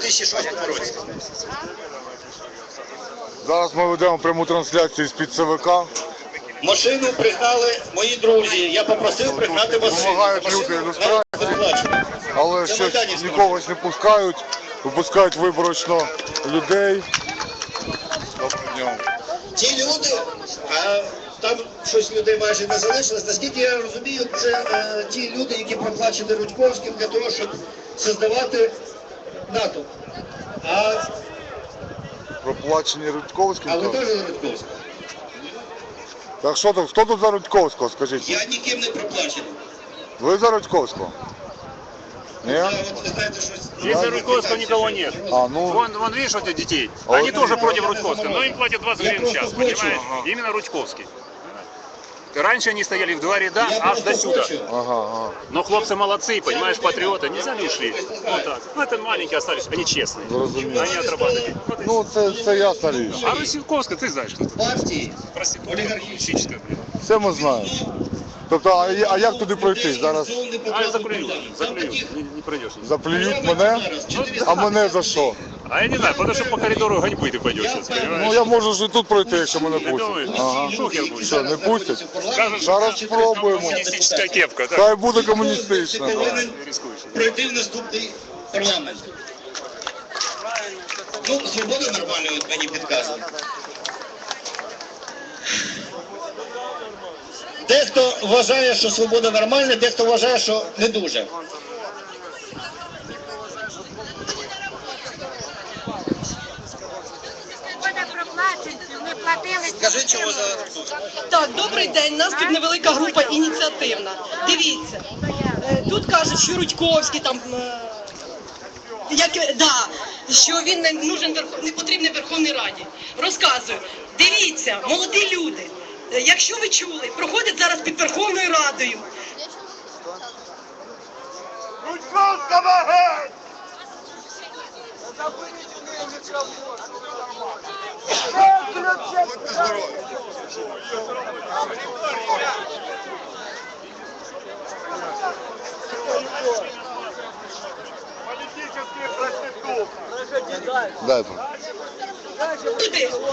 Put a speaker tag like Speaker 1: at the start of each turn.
Speaker 1: 2006 році.
Speaker 2: Зараз ми ведемо пряму трансляцію з-під ЦВК.
Speaker 1: Машину пригнали мої друзі. Я попросив пригнати машину.
Speaker 2: Допомагають люди, але щось нікого не пускають. Випускають виборочно людей.
Speaker 1: Ті люди, а там щось людей майже не залишилось, наскільки я розумію, це ті люди, які проплачені Рудьковським для того, щоб создавати НАТО.
Speaker 2: Проплачені Рудьковським?
Speaker 1: А ви теж за Рудьковського?
Speaker 2: Так що тут, хто тут за Рудьковського, скажіть?
Speaker 1: Я ніким не проплачений.
Speaker 2: Ви за Рудьковського? Нет?
Speaker 3: Здесь за Рудьковского никого нет. Вон видишь вот этих детей? Они тоже против Рудьковского, но им платят 20 гривен в час, понимаешь? Именно Рудьковский. Раньше они стояли в два ряда, аж до сюда. Но хлопцы молодцы, понимаешь, патриоты, нельзя не ушли. Вот так. Ну это маленькие остались, они честные. Они отрабатывают.
Speaker 2: Ну це ясна річ.
Speaker 3: А Рудьковская, ты знаешь, кто это?
Speaker 1: Партії
Speaker 3: Олигархическая.
Speaker 2: Це ми знаємо. Тобто, а як туди пройти? Зараз
Speaker 3: А заклюют, не пройдешь.
Speaker 2: заплюють мене, а мене за що?
Speaker 3: А я не знаю, потому что по коридору ганьбы ты пойдешь сейчас, понимаешь?
Speaker 2: Ну я можу ж і тут пройти, якщо мене
Speaker 3: Ты думаешь?
Speaker 2: пустять. Ага.
Speaker 3: Шухер будет.
Speaker 2: Що, не пустять?
Speaker 3: Скажешь,
Speaker 2: Зараз спробуємо.
Speaker 3: коммунистическая кепка, да?
Speaker 2: Хай буде комуністична. да.
Speaker 3: Рискуешь.
Speaker 1: пройти в наступний парламент. Ну, свобода нормальна, от мені підказує. Дехто вважає, що свобода нормальна, дехто вважає, що не дуже. Скажи, чого за...
Speaker 4: Так, добрий день. У нас тут невелика група ініціативна. Дивіться, тут кажуть, що Рудьковський там, що він не нужен, не потрібний Верховній Раді. Розказую. Дивіться, молоді люди, якщо ви чули, проходять зараз під Верховною Радою.
Speaker 2: Рудьковського геть! Дай.
Speaker 4: Люди,